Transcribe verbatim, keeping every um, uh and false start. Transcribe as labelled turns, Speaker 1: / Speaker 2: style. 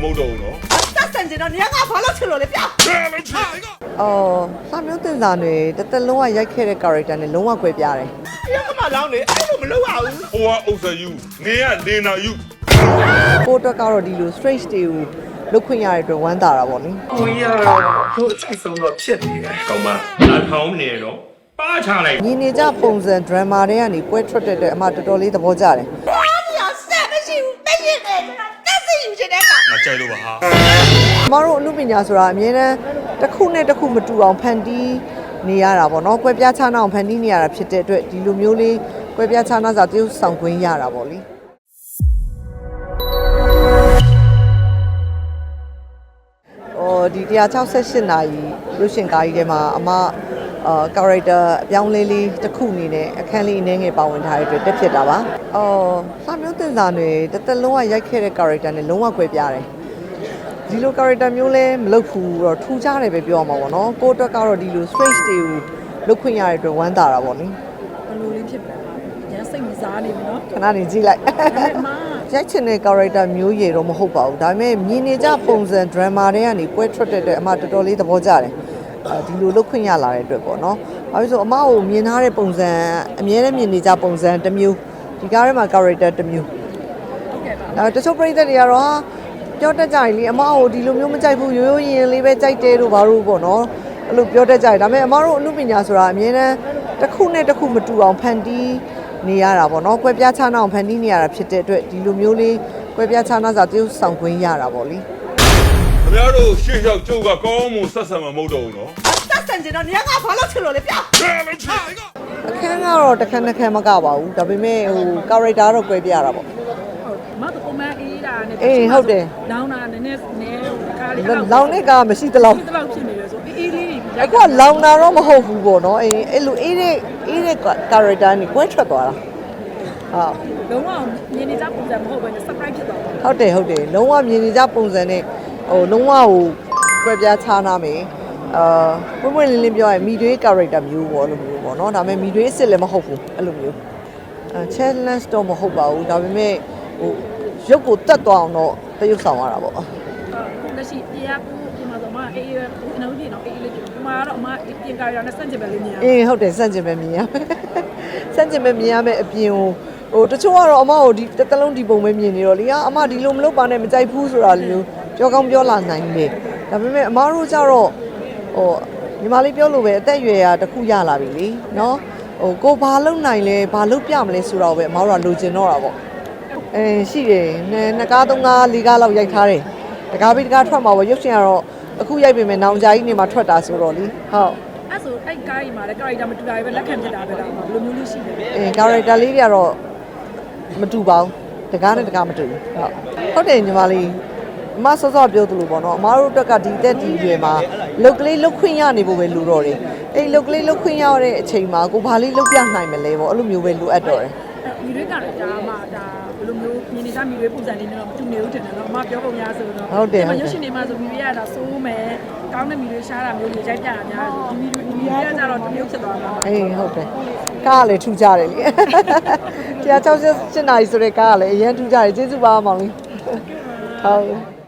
Speaker 1: မဟုတ်တော့ဘူးနော်
Speaker 2: တက်ဆန်ကျင်တော့နေရာကဘာလို့ချလို့လဲပြ
Speaker 3: အော်စာမျိုးတင်စာတွေတသက်လုံးဝရိုက်ခဲ့တဲ့ character နဲ့လုံးဝကွဲပြားတယ်
Speaker 2: ပြကမှလောင်းလေအဲ့လိုမလုပ်ရဘူး
Speaker 1: ဟိုကအုပ်စယူနေရနေနာယူ
Speaker 3: ကိုတော့ကတော့ဒီလို straight တွေကိုလုတ်ခွင့်ရတဲ့အတွက်ဝမ်းသာတာပေါ့နိ
Speaker 2: ကိုကြီးကတော့တို့အဆိုင်ဆုံးတော့ဖြစ်နေတယ်
Speaker 1: ကောင်းပါလာထောင်းနေတော့ပါချလိုက်
Speaker 3: ညီနေကြပုံစံ drama တွေကနေပွဲထွက်တဲ့အမှတော်တော်လေးသဘောကျတယ်
Speaker 2: ဘာလို့ဆက်မရှိဘူးမဖြစ်နဲ့တက်စီယူချင်တဲ့က
Speaker 1: မကြိုက်လို့ပါဟာ
Speaker 3: ကျမတို့အမှုပညာဆိုတာအမြဲတမ်းတစ်ခုနဲ့တစ်ခုမတူအောင်ဖန်တီးနေရတာပေါ့နော်ကွဲပြားခြားနာအောင်ဖန်တီးနေရတာဖြစ်တဲ့အတွက်ဒီလိုမျိုးလေးကွဲပြားခြားနာစာတရုပ်ဆောင်ခွင့်ရတာပေါ့လေအော်ဒီone sixty-eightနာရီရုပ်ရှင်ကားကြီးထဲမှာအမအာ character အပြောင်းလဲလေးတစ်ခုအနေနဲ့အခန်းလေးအနည်းငယ်ပါဝင်ထားတဲ့အတွက်တက်ဖြစ်တာပါ။အော်စာမျိုးတင်စာတွေတသက်လုံးဝရိုက်ခဲ့တဲ့ character နဲ့လုံးဝကွဲပြားတယ်။ဒီလို character မျိုးလဲမလုပ်ဘူးတော့ထူးခြားတယ်ပဲပြောရမှာပေါ့နော်။ကိုအတွက်ကတော့ဒီလို straight တွေကိုလုပ်ခွင့်ရတဲ့အတွက်ဝမ်းသာတာပေါ့နိ
Speaker 4: ။ဘယ်လိုလေးဖြစ်လဲ။ရမ်းစိတ်မစားနေဘူးနော်
Speaker 3: ။ခဏနေကြည့်လိုက်။ရိုက်ချင်တဲ့ character မျိုးရည်တော့မဟုတ်ပါဘူး။ဒါပေမဲ့မြင်နေကြပုံစံ drama တွေကနေပွဲထွက်တဲ့အမှတော်တော်လေးသဘောကျတယ်။ဒီလိုလုတ်ခွင့်ရလာတဲ့အတွက်ပေါ့နော်။ဘာလို့ဆိုအမကိုမြင်ထားတဲ့ပုံစံအမြဲတမ်းမြင်နေကြပုံစံတစ်မျိုးဒီကားထဲမှာ character တစ်မျိုးဟုတ်ကဲ့ပါ။အဲတချို့ပရိသတ်တွေကတော့ဟာပြောတတ်ကြရင်လေအမကိုဒီလိုမျိုးမကြိုက်ဘူးရိုးရိုးရင်လေးပဲကြိုက်တယ်လို့ဘာလို့ပေါ့နော်။အဲ့လိုပြောတတ်ကြတယ်ဒါပေမဲ့အမတို့အမှုပညာဆိုတာအမြဲတမ်းတစ်ခုနဲ့တစ်ခုမတူအောင်ဖန်တီးနေရတာပေါ့နော်။ကွဲပြားခြားနာအောင်ဖန်တီးနေရတာဖြစ်တဲ့အတွက်ဒီလိုမျိုးလေးကွဲပြားခြားနာစာတရုပ်ဆောင်ခွင့်ရတာပေါ့လေ
Speaker 1: ။ခင်ဗျားတို့ရှေ့လျှောက်ကျုပ်ကကောင်းမှုဆက်ဆံမှာမဟုတ်တော့ဘူးနော်
Speaker 2: တက်ဆန်ကျင်တော့နေရာကဘာလို့ချလို့လဲပြ
Speaker 3: အခန်းကတော့တစ်ခန်းတစ်ခန်းမကပါဘူးဒါပေမဲ့ဟို character တော့ကွဲပြားတာပေါ့
Speaker 4: ဟုတ်မတော့ပုံမှန်အေးတာနဲ့
Speaker 3: အေးဟုတ်တယ်
Speaker 4: လောင်းတာနည်းနည်းနည်းခါလေး
Speaker 3: လောင်းတဲ့ကမရှိတလောက်
Speaker 4: တလောက်ဖြစ်နေတယ်ဆိုအေးလေးတွေ
Speaker 3: အခုကလောင်းတာတော့မဟုတ်ဘူးပေါ့နော်အေးအဲ့လိုအေးတဲ့အေးတဲ့ character နဲ့ကွဲထွက်သွားတာ
Speaker 4: ဟုတ်လုံးဝမြင်နေကြပုံစံမဟုတ်ဘဲနဲ့ surprise ဖြစ်သွားတာ
Speaker 3: ဟုတ်တယ်ဟုတ်တယ်လုံးဝမြင်နေကြပုံစံနဲ့ဟိုလုံးဝဟိုကွဲပြားခြားနာမယ်အာပွင့်ပွင့်လင်းလင်းပြောရင်မိတွေး character မျိုးပေါ့လို့မျိုးပေါ့နော်ဒါပေမဲ့မိတွေးအစ်စ်လည်းမဟုတ်ဘူးအဲ့လိုမျိုးအဲ challenge တော့မဟုတ်ပါဘူးဒါပေမဲ့ဟိုရုပ်ကိုတက်သွားအောင်တော့တရုပ်ဆောင်ရတာပေါ့
Speaker 4: ဟုတ်လက်ရှိပြရကူဒီမှာဆိုမှအေးအေးနှုတ်ကြည့်တော့အေးအေးလေးဒီမှာတော့အမပြင်ကာရနဲ့စန့်ကျင်ပဲလေးမြင်ရ
Speaker 3: အေးဟုတ်တယ်စန့်ကျင်ပဲမြင်ရစန့်ကျင်ပဲမြင်ရမယ်အပြင်ကိုဟိုတချို့ကတော့အမကိုဒီတစ်လုံးဒီပုံပဲမြင်နေတော့လေအမဒီလိုမလုပ်ပါနဲ့မကြိုက်ဘူးဆိုတာမျိုးပြောကောင်းပြောလာနိုင်တယ်ဒါပေမဲ့အမတို့ကြတော့ဟိုညီမလေးပြောလို့ပဲအသက်အရွယ်ရာတစ်ခုရလာပြီလေနော်ဟိုကိုဘာလုပ်နိုင်လဲဘာလုပ်ပြမလဲဆိုတော့ပဲအမတို့ကလိုချင်တော့တာပေါ့အဲရှိတယ်နှစ်ကားသုံးကားလေးကားလောက်ရိုက်ထားတယ်တကားပြီးတကားထွက်မှာပေါ့ရုပ်ရှင်ကတော့အခုရိုက်ပေမဲ့နောင်ကြာကြီးနေမှာထွက်တာဆိုတော့လေဟုတ်
Speaker 4: အဲ့ဆိုအဲ့ကားကြီးမှာလည်း character မတူတာပဲလက်ခံဖြစ်တာပဲလားဘယ်လိုမျိုးလေးရှိလဲ
Speaker 3: အဲ character လေးတွေကတော့မတူပါဘူးတကားနဲ့တကားမတူဘူးဟုတ်ဟုတ်တယ်ညီမလေးအမစောစောပြောသလိုပေါ့နော်အမားတို့တက်ကဒီတက်ဒီရွယ်မှာလုတ်ကလေးလုတ်ခွင့်ရနေဖို့ပဲလိုတော့တယ်အဲ့လုတ်ကလေးလုတ်ခွင့်ရတဲ့အချိန်မှာကိုဘာလေးလုတ်ပြနိုင်မလဲပေါ့အဲ့လိုမျိုးပဲလိုအပ်တော့တယ်
Speaker 4: မိတွေကလည်းဒါမှဒါဘယ်လိုမျိုးမြင်နေကြမိတွေပုံစံလေးနဲ့တော့မတူနေဘူးတင်တယ်နော်အမပြောပုံများဆိုတော့
Speaker 3: ဟုတ်တယ်
Speaker 4: ရုပ်ရှင်တွေမှာဆိုမိတွေကဒါစိုးမယ်ကောင်းတဲ့မိတွေရှားတာမျိုးတွေရိုက်ပြတာများဒီမိတွေမိတွေကကြတော့တမျိုးဖြစ်သွားမှာ
Speaker 3: အေးဟုတ်တယ်ကားလည်းထူကြတယ်လေone sixty-eightနာရီဆိုတဲ့ကားကလည်းအရင်ထူကြတယ်ကျေးဇူးပါမောင်လေးဟုတ်